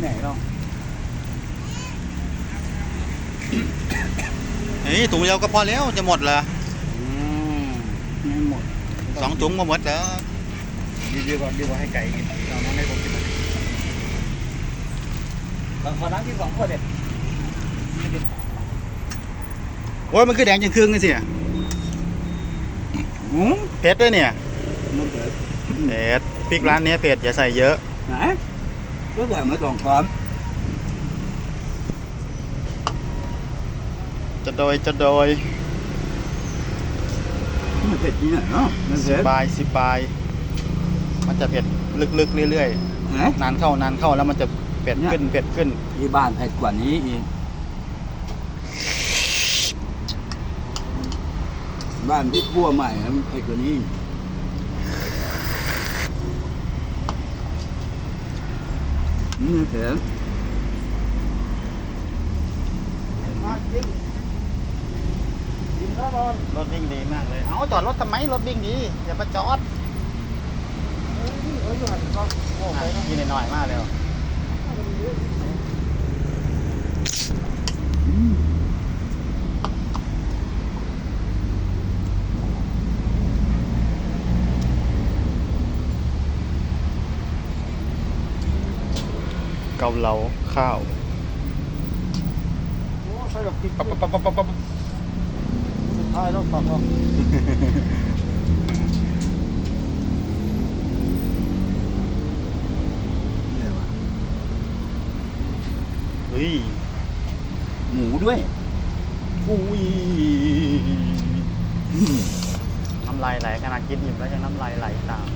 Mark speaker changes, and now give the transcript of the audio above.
Speaker 1: ไหนหรอก
Speaker 2: เฮ้ยถุงเดียวก็พอแล้วจะหมดเหรอ
Speaker 1: ไม่หมด
Speaker 2: 2 ถุงมาหมดแล้ว
Speaker 1: ดีกว่าให้ไก่กินเราน้องให้ผมกินขอน้ำกิน2 ขวดเด็ด
Speaker 2: โอ้ยมันคือแดงจังครึ่งนี่สิเผ็ดด้วยเนี่ย
Speaker 1: มันเกิด
Speaker 2: เผ็ดพริกร้านนี้เผ็ดอย่าใส่เยอะ
Speaker 1: ไหนก็ใส่มา2 ช้อน
Speaker 2: จะโดย
Speaker 1: มันเผ็ดจริงเนาะมัน
Speaker 2: สิ
Speaker 1: เผ็ด
Speaker 2: บายมันจะเผ็ดลึกๆเรื่อย
Speaker 1: ไหน
Speaker 2: ๆนานเข้าแล้วมันจะเผ็ดขึ้น
Speaker 1: ที่บ้านเผ็ดกว่านี้อีกบ้านที่พั่วใหม่มันเผ็ดกว่านี้นี่เผ็ด
Speaker 2: รถวิ่งดีมากเลยเอาจอดรถทำไมรถวิ่งดีอย่ามาจอดยินหน่อยมากเลยเกาเหลาข้าวปั๊บ
Speaker 1: ใช่รถปักก็เนี่ยว่ะ
Speaker 2: เฮ้ย
Speaker 1: หมูด้วย
Speaker 2: อุ้ยน้ำลายไหลขนาดกินอิ่มแล้วยังน้ำลายไหลตาม